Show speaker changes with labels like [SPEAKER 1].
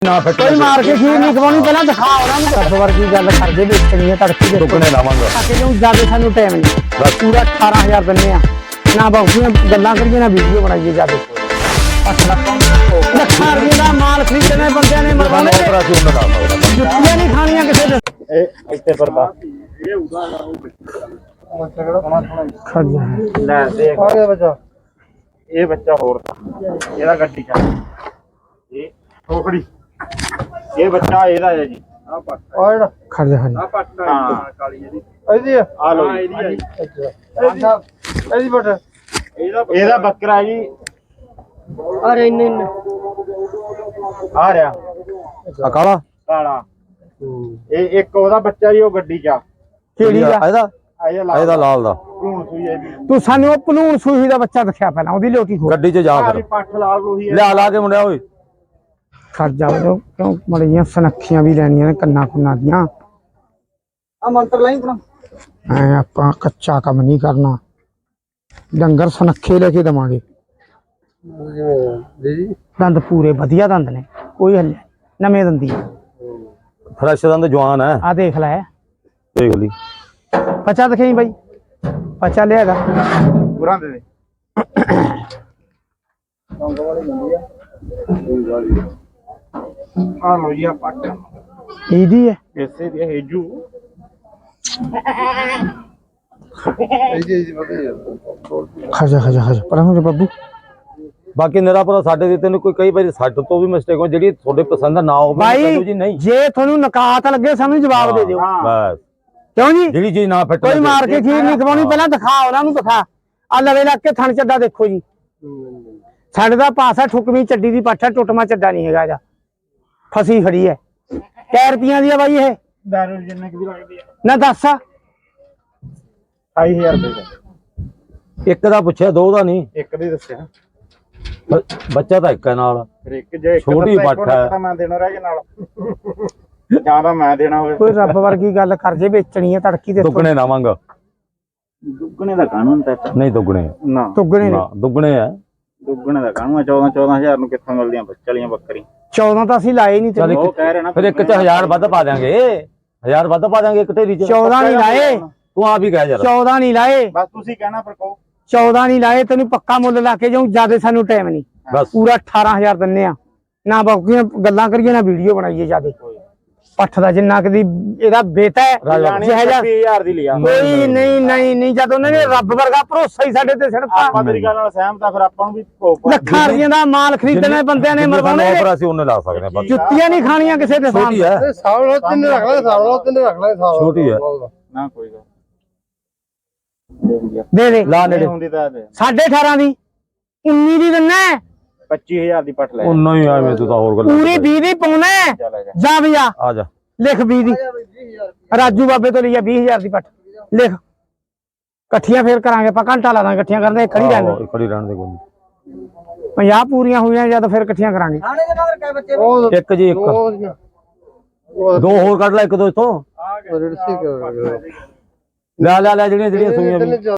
[SPEAKER 1] ਨਾ ਫਿੱਟ
[SPEAKER 2] ਕੋਈ ਮਾਰ ਕੇ ਖੀਰ ਨਹੀਂ ਖਵਾਉਣੀ ਪਹਿਲਾਂ ਦਿਖਾ ਉਹਨਾਂ ਨੂੰ ਰੱਬ ਵਰਗੀ ਗੱਲ ਕਰਦੇ ਵੇਚਣੀ ਹੈ ਤੜਕੀ ਦੇ
[SPEAKER 1] ਦੁੱਗਣੇ ਲਾਵਾਂਗਾ
[SPEAKER 2] ਕਿ ਜੋ ਜਿਆਦਾ ਸਾਨੂੰ ਟਾਈਮ ਨਹੀਂ ਬਸ ਪੂਰਾ 18000 ਦਿੰਨੇ ਆ ਨਾ ਬਹੁਤੀਆਂ ਗੱਲਾਂ ਕਰੀਏ ਨਾ ਵੀਡੀਓ ਬਣਾਈਏ ਜਿਆਦਾ ਲੱਖਾਂ ਰੁਪਏ ਦਾ ਮਾਲ ਖਰੀਦਣੇ ਬੰਦਿਆਂ ਨੇ ਮਰਵਾਉਣੇ ਜੁੱਤੀਆਂ ਨਹੀਂ ਖਾਣੀਆਂ ਕਿਸੇ ਦੇ
[SPEAKER 1] ਇਹ ਇੱਥੇ ਪਰਦਾ ਲੈ ਦੇਖ
[SPEAKER 3] ਆ ਗਿਆ ਬੱਚਾ
[SPEAKER 1] ਇਹ ਬੱਚਾ ਹੋਰ ਇਹਦਾ ਗੱਡੀ ਚੱਲ ਇਹ ਠੋਕੜੀ ਇਹ ਬੱਚਾ ਇਹਦਾ ਹੈ ਜੀ ਆ ਪੱਟ
[SPEAKER 3] ਆ ਜਿਹੜਾ
[SPEAKER 2] ਖੜ ਜਾ
[SPEAKER 1] ਆ ਪੱਟ ਹਾਂ ਕਾਲੀ ਜਿਹੀ
[SPEAKER 3] ਇਹਦੀ ਆ
[SPEAKER 1] ਆ ਲੋ ਇਹਦੀ ਹੈ
[SPEAKER 3] ਇਹਦੀ ਬੱਟ
[SPEAKER 1] ਇਹਦਾ ਬੱਕਰਾ ਜੀ
[SPEAKER 3] ਅਰੇ ਇੰਨੇ
[SPEAKER 1] ਆ ਰਿਹਾ
[SPEAKER 4] ਆ ਕਾਲਾ
[SPEAKER 1] ਕਾਲਾ ਇਹ ਇੱਕ ਉਹਦਾ ਬੱਚਾ ਜੀ ਉਹ ਗੱਡੀ ਚ ਆ
[SPEAKER 2] ਕਿਹੜੀ ਆ
[SPEAKER 4] ਇਹਦਾ
[SPEAKER 1] ਇਹਦਾ
[SPEAKER 4] ਲਾਲ ਦਾ
[SPEAKER 1] ਭਰੂਣ ਸੂਈ ਹੈ ਜੀ
[SPEAKER 2] ਤੂੰ ਸਾਨੂੰ ਉਹ ਭਲੂਣ ਸੂਹੀ ਦਾ ਬੱਚਾ ਦਿਖਿਆ ਪਹਿਲਾਂ ਉਹਦੀ ਲੋਟੀ ਖੋਲ
[SPEAKER 4] ਗੱਡੀ 'ਚ ਜਾ
[SPEAKER 1] ਆ
[SPEAKER 4] ਫਿਰ
[SPEAKER 1] ਪੱਠ ਲਾਲ ਲੋਹੀ ਹੈ
[SPEAKER 4] ਲਿਆ ਲਾ ਕੇ ਮੁੰਡਿਆ ਓਏ
[SPEAKER 2] ਖੜ ਜਾ ਕਿਉਂ ਮੜੀਆਂ ਸਨੱਖੀਆਂ ਵੀ ਲੈਣੀਆਂ ਨੇ ਕੰਨਾਂ ਕੁੰਨਾਂ ਦੀਆਂ
[SPEAKER 3] ਆ ਮੰਤਰ ਲਾਈ ਆਪਣਾ
[SPEAKER 2] ਐ ਆਪਾਂ ਕੱਚਾ ਕੰਮ ਨਹੀਂ ਕਰਨਾ ਡੰਗਰ ਸਨੱਖੇ ਲੈ ਕੇ ਦਵਾਂਗੇ
[SPEAKER 3] ਜੀ
[SPEAKER 2] ਦੰਦ ਪੂਰੇ ਵਧੀਆ ਦੰਦ ਨੇ ਕੋਈ ਹੱਲੇ ਨਵੇਂ ਦੰਦੀ
[SPEAKER 4] ਫਰੈਸ਼ ਦਾ ਜਵਾਨ ਹੈ
[SPEAKER 2] ਆ ਦੇਖ ਲੈ
[SPEAKER 4] ਦੇਖ ਲਈ
[SPEAKER 2] ਪਚਾ ਦਿਖਾਈ ਬਾਈ ਪਚਾ ਲਿਆਗਾ
[SPEAKER 1] ਪੂਰਾ ਦੇ ਦੇ ਆ ਲੋ ਜੀ ਆ ਪੱਟ
[SPEAKER 2] ਇਹਦੀ ਹੈ
[SPEAKER 1] ਇਸੇ ਦੀ ਹੇਜੂ
[SPEAKER 3] ਇਹਦੀ ਪਤਾ
[SPEAKER 2] ਖਜਾ ਪਰ ਹੁਣ ਬੱਬੂ
[SPEAKER 4] ਬਾਕੀ ਨਿਰਾਪੁਰਾ ਸਾਡੇ ਦੇ ਤੈਨੂੰ ਕੋਈ ਕਈ ਵਾਰੀ ਸਾਡੇ ਤੋਂ ਵੀ ਮਿਸਟੇਕ ਹੋ ਜਿਹੜੀ ਤੁਹਾਡੇ ਪਸੰਦ ਨਾ ਹੋਵੇ
[SPEAKER 2] ਬਾਈ
[SPEAKER 4] ਜੀ ਨਹੀਂ
[SPEAKER 2] ਜੇ ਤੁਹਾਨੂੰ ਨਕਾਤ ਲੱਗੇ ਸਾਨੂੰ ਜਵਾਬ ਦੇ ਦਿਓ
[SPEAKER 4] ਬਸ
[SPEAKER 2] ਕਿਉਂ ਜੀ
[SPEAKER 4] ਜਿਹੜੀ ਚੀਜ਼ ਨਾ ਫਿੱਟ
[SPEAKER 2] ਕੋਈ ਮਾਰ ਕੇ ਖੀਰ ਨਹੀਂ ਖਵਾਉਣੀ ਪਹਿਲਾਂ ਦਿਖਾ ਉਹਨਾਂ ਨੂੰ ਦਿਖਾ ਆ ਲਵੇ ਲੱਗ ਕੇ ਥਣ ਚੱਡਾ ਦੇਖੋ ਜੀ ਸਾਡੇ ਦਾ ਪਾਸਾ ਠੁਕਵੀਂ ਚੱਡੀ ਦੀ ਪਾਠਾ ਟੁੱਟਮਾ ਚੱਡਾ ਨਹੀਂ ਹੈਗਾ ਜਾ ਫਸੀ ਖੜੀ ਹੈ ਕੈ ਰੁਪਈਆਂ ਦੀ ਆ ਬਾਈ ਇਹ
[SPEAKER 1] ਦਾਰੂ ਜਿੰਨੇ ਕਿ ਵੀ ਲੱਗਦੀ ਆ
[SPEAKER 2] ਨਾ ਦੱਸ
[SPEAKER 1] 28000 ਰੁਪਏ ਦਾ
[SPEAKER 4] ਇੱਕ ਦਾ ਪੁੱਛਿਆ ਦੋ ਦਾ ਨਹੀਂ
[SPEAKER 1] ਇੱਕ ਦੇ ਦੱਸਿਆ
[SPEAKER 4] ਬੱਚਾ ਤਾਂ ਇੱਕ ਹੈ ਨਾਲ
[SPEAKER 1] ਫਿਰ ਇੱਕ ਜੇ ਇੱਕ
[SPEAKER 4] ਛੋਟੀ
[SPEAKER 1] ਦੱਸਿਆ,
[SPEAKER 4] ਪੱਠ ਹੈ।
[SPEAKER 1] ਤਾਂ ਮੈਂ ਦੇਣਾ ਰਹਿ ਗਿਆ ਨਾਲ ਜਾਂ ਤਾਂ ਮੈਂ ਦੇਣਾ ਹੋਵੇ
[SPEAKER 2] ਕੋਈ ਰੱਬ ਵਰਗੀ ਗੱਲ ਕਰ ਜੇ ਵੇਚਣੀ ਹੈ ਤੜਕੀ ਦੇ
[SPEAKER 4] ਦੁੱਗਣੇ ਲਾਵਾਂਗਾ
[SPEAKER 1] ਦੁੱਗਣੇ ਦਾ ਕਾਨੂੰਨ ਤਾਂ
[SPEAKER 4] ਨਹੀਂ ਦੁੱਗਣੇ
[SPEAKER 1] ਨਾ
[SPEAKER 2] ਤੁਗਣੇ
[SPEAKER 4] ਨਾ ਦੁੱਗਣੇ ਹੈ
[SPEAKER 1] ਦੁੱਗਣੇ ਦਾ ਕਾਨੂੰਨ 14000 ਨੂੰ ਕਿੱਥੋਂ ਮਿਲਦੀਆਂ ਬੱਚਲੀਆਂ ਬੱਕਰੀ
[SPEAKER 2] 14 ਤਾਂ ਅਸੀਂ ਲਾਏ ਨਹੀਂ ਤੇ
[SPEAKER 1] ਉਹ ਕਹਿ ਰਹੇ ਨਾ
[SPEAKER 4] ਫਿਰ ਇੱਕ 'ਚ 1000 ਵੱਧ ਪਾ ਦਿਆਂਗੇ 1000 ਵੱਧ ਪਾ ਦਿਆਂਗੇ ਇੱਕ ਢੇਰੀ 'ਚ
[SPEAKER 2] 14 ਨਹੀਂ ਲਾਏ
[SPEAKER 4] ਤੂੰ ਆਪ ਹੀ ਕਹਿ ਯਾਰ
[SPEAKER 2] 14 ਨਹੀਂ ਲਾਏ
[SPEAKER 1] ਬਸ ਤੁਸੀਂ ਕਹਿਣਾ ਫਿਰ ਕਹੋ
[SPEAKER 2] 14 ਨਹੀਂ ਲਾਏ ਤੈਨੂੰ ਪੱਕਾ ਮੁੱਲ ਲਾ ਕੇ ਜਾਉਂ ਜਿਆਦਾ ਸਾਨੂੰ ਟਾਈਮ ਨਹੀਂ
[SPEAKER 4] ਬਸ
[SPEAKER 2] ਪੂਰਾ 18000 ਦਿੰਨੇ ਆ ਨਾ ਬਾਕੀਆਂ ਗੱਲਾਂ ਕਰੀਏ ਨਾ ਵੀਡੀਓ ਬਣਾਈਏ ਜਿਆਦੇ ਪੱਠ ਦਾ ਜਿੰਨਾ ਕਦੀ ਇਹਦਾ ਬੇਟਾ ਹੈ ਜਿਹੋ ਜਿਹਾ
[SPEAKER 1] 20000 ਦੀ ਲਿਆ
[SPEAKER 2] ਕੋਈ ਨਹੀਂ ਜਦ ਉਹਨਾਂ ਨੇ ਰੱਬ ਵਰਗਾ ਭਰੋਸਾ ਹੀ ਸਾਡੇ ਤੇ ਛੱਡਤਾ
[SPEAKER 1] ਆਪਾਂ ਤੇਰੀ ਗੱਲ ਨਾਲ ਸਹਿਮਤ ਆ ਫਿਰ ਆਪਾਂ ਨੂੰ ਵੀ ਭੋਗ
[SPEAKER 2] ਲੱਖਾਂ ਰੁਪਈਆਂ ਦਾ ਮਾਲ ਖਰੀਦਣੇ ਬੰਦਿਆਂ ਨੇ ਮਰਵਾਉਣੇ ਨੇ।
[SPEAKER 4] ਆਫਰ ਅਸੀਂ ਉਹਨੇ ਲਾ ਸਕਦੇ ਹਾਂ ਬਸ
[SPEAKER 2] ਜੁੱਤੀਆਂ ਨਹੀਂ ਖਾਣੀਆਂ ਕਿਸੇ ਦੇ
[SPEAKER 4] ਛੋਟੀ
[SPEAKER 2] ਸਾਹਮਣੇ
[SPEAKER 4] ਹੈ
[SPEAKER 3] ਸਾਵਲ ਤਿੰਨ ਰੱਖ ਲੈ ਸਾਵਲ ਤਿੰਨ ਰੱਖ ਲੈ ਸਾਵਲ
[SPEAKER 4] ਛੋਟੀ ਹੈ
[SPEAKER 1] ਨਾ ਕੋਈ ਗੱਲ
[SPEAKER 2] ਦੇ
[SPEAKER 4] ਲਾ ਨੇੜੇ
[SPEAKER 1] ਹੁੰਦੀ ਤਾਂ ਦੇ
[SPEAKER 2] 18.5 ਦੀ 19 ਦੀ ਦਿੰਨਾ
[SPEAKER 1] 25000 ਦੀ ਪੱਠ ਲੈ
[SPEAKER 4] ਉਹਨਾਂ ਹੀ ਐਵੇਂ ਤੂੰ ਤਾਂ ਹੋਰ ਗੱਲ
[SPEAKER 2] ਪੂਰੀ 20 ਦੀ ਪਾਉਣਾ
[SPEAKER 1] ਚੱਲ ਆ ਜਾ
[SPEAKER 2] ਜਾ ਵੀ ਜਾ
[SPEAKER 4] ਆ ਜਾ
[SPEAKER 2] ਲਿਖ 20 ਦੀ ਰਾਜੂ ਬਾਬੇ ਤੋਂ ਲਿਆ 20000 ਦੀ ਪੱਠ ਲਿਖ ਇਕੱਠੀਆਂ ਫੇਰ ਕਰਾਂਗੇ ਆਪਾਂ ਘੰਟਾ ਲਾ ਦਾਂਗੇ ਇਕੱਠੀਆਂ ਕਰਦੇ ਖੜੀ ਰਹਿਣ
[SPEAKER 4] ਖੜੀ ਰਹਿਣ ਦੇ ਕੋਈ
[SPEAKER 2] 50 ਪੂਰੀਆਂ ਹੋਈਆਂ ਜਦ ਫਿਰ ਇਕੱਠੀਆਂ ਕਰਾਂਗੇ
[SPEAKER 4] ਨਹੀਂ ਇੱਕ ਜੀ ਇੱਕ ਦੋ ਹੋਰ ਕੱਢ ਲੈ ਇੱਕ ਦੋ ਇਥੋਂ
[SPEAKER 3] ਰੜਸੀ ਕਰ
[SPEAKER 4] ਲੈ ਜਿਹੜੀਆਂ ਸੂਈਆਂ ਵੀ